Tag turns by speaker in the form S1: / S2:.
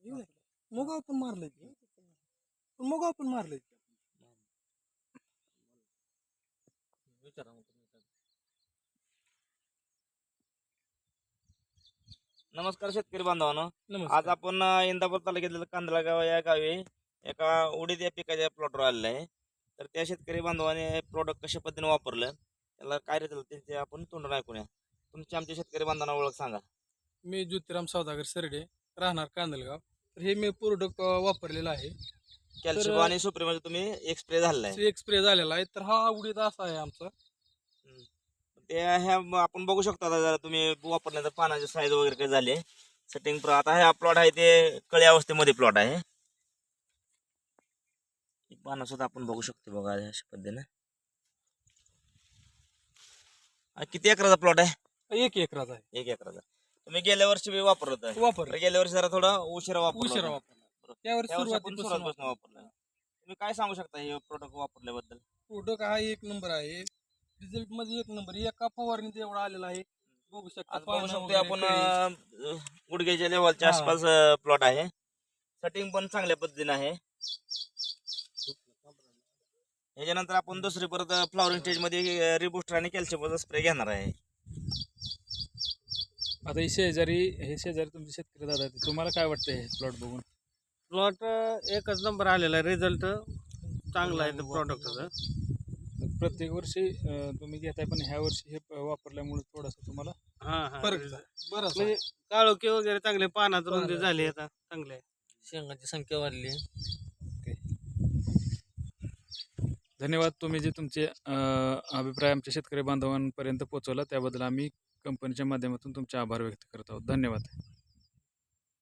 S1: मुगाव पण मारलंय मुगाव पण मारलंय.
S2: नमस्कार शेतकरी बांधवांनो.
S1: नमस्कार.
S2: आज आपण इंदापूर तालुक्यातील कांदळगाव या गावी एका उडीद या पिकाच्या प्लॉटवर आलेलं आहे. तर त्या शेतकरी बांधवाने प्रोडक्ट कशा पद्धतीने वापरलं, त्याला काय रिझल्ट त्यांचे आपण तोंडून ऐकूया. तुमची आमच्या शेतकरी बांधवांना ओळख सांगा.
S1: मी ज्योतिराम सौदागर सरडे, राहणार कांदलगाव. तर हे मी प्रोडक्ट वापरलेलं आहे.
S2: कॅल्शियम आणि सुप्रीमध्ये तुम्ही एक स्प्रे झालेला आहे.
S1: एक स्प्रे झालेला आहे. तर हा उडीद असा आहे आमचा.
S2: ते ह्या आपण बघू शकता आता जरा तुम्ही वापरल्यानंतर पानाची साईज वगैरे काय झाली सेटिंग. आता हा प्लॉट आहे ते कळी अवस्थेमध्ये प्लॉट आहे. पानं सुद्धा आपण बघू शकतो बघा अशा पद्धतीने. किती एकराचा प्लॉट आहे?
S1: 1 एकराचा आहे.
S2: 1 एकराचा. तुम्ही गेल्या वर्षी बी वापरत आहे? गेल्या वर्षी जरा थोडा उशिरा
S1: वापरला. त्यावेळेस
S2: सुरुवातीपासून वापरलं. तुम्ही काय सांगू शकता हे प्रोडक्ट वापरल्याबद्दल?
S1: प्रोडक्ट हा 1 नंबर आहे. रिझल्ट मध्ये 1 नंबर. एका फवारणीत एवढा आलेला आहे. बघू शकता.
S2: बघू शकतो आपण गुडघ्याच्या लेवलच्या आसपास प्लॉट आहे. सेटिंग पण चांगल्या पद्धतीने आहे. याच्यानंतर आपण दुसरी परत फ्लॉवरिंग स्टेज मध्ये रिबूस्टर आणि कॅल्शियमचा स्प्रे घेणार आहे.
S3: आता हे शेजारी तुमचे शेतकरी दादा आहेत, तुम्हाला काय वाटतं हे प्लॉट बघून?
S4: प्लॉट एकच नंबर आलेला आहे. रिझल्ट चांगला आहे प्रॉडक्टचा.
S3: प्रत्येक वर्षी तुम्ही घेताय, पण ह्या वर्षी हे वापरल्यामुळे थोडासा तुम्हाला
S1: फरक बरं.
S4: म्हणजे काळोखी वगैरे चांगले, पानात रुंदी झाली आता चांगले आहे.
S5: शेंगाची संख्या वाढली.
S3: धन्यवाद. तुम्ही जे तुमचे अभिप्राय आमच्या शेतकरी बांधवांपर्यंत पोहोचवला त्याबद्दल आम्ही कंपनीच्या माध्यमातून तुमचे आभार व्यक्त करत आहोत. धन्यवाद.